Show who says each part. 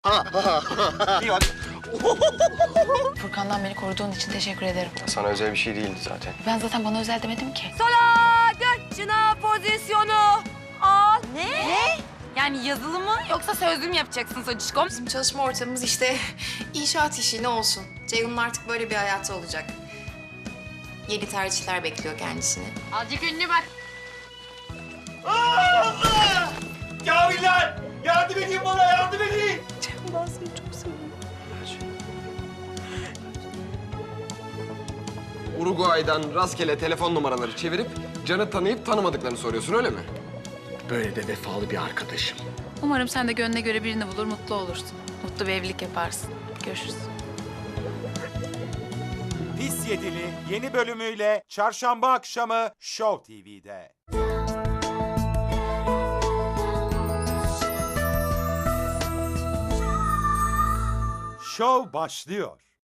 Speaker 1: Furkan'dan beni koruduğun için teşekkür ederim.
Speaker 2: Sana özel bir şey değildi zaten.
Speaker 1: Ben zaten bana özel demedim ki.
Speaker 3: Sola göççüna pozisyonu al. Ne? Yani yazılı mı yoksa sözlü mü yapacaksın Socişkom?
Speaker 4: Bizim çalışma ortamımız işte inşaat işi ne olsun. Ceyhun'un artık böyle bir hayatı olacak. Yeni tercihler bekliyor kendisini.
Speaker 3: Azıcık ünlü bak.
Speaker 5: Kamiller! Yardım edin bana, yardım edin!
Speaker 2: Uruguay'dan rastgele telefon numaraları çevirip Can'ı tanıyıp tanımadıklarını soruyorsun öyle mi?
Speaker 5: Böyle de vefalı bir arkadaşım.
Speaker 1: Umarım sen de gönlüne göre birini bulur, mutlu olursun. Mutlu bir evlilik yaparsın. Görüşürüz.
Speaker 6: Pis Yedili yeni bölümüyle çarşamba akşamı Show TV'de. Show başlıyor.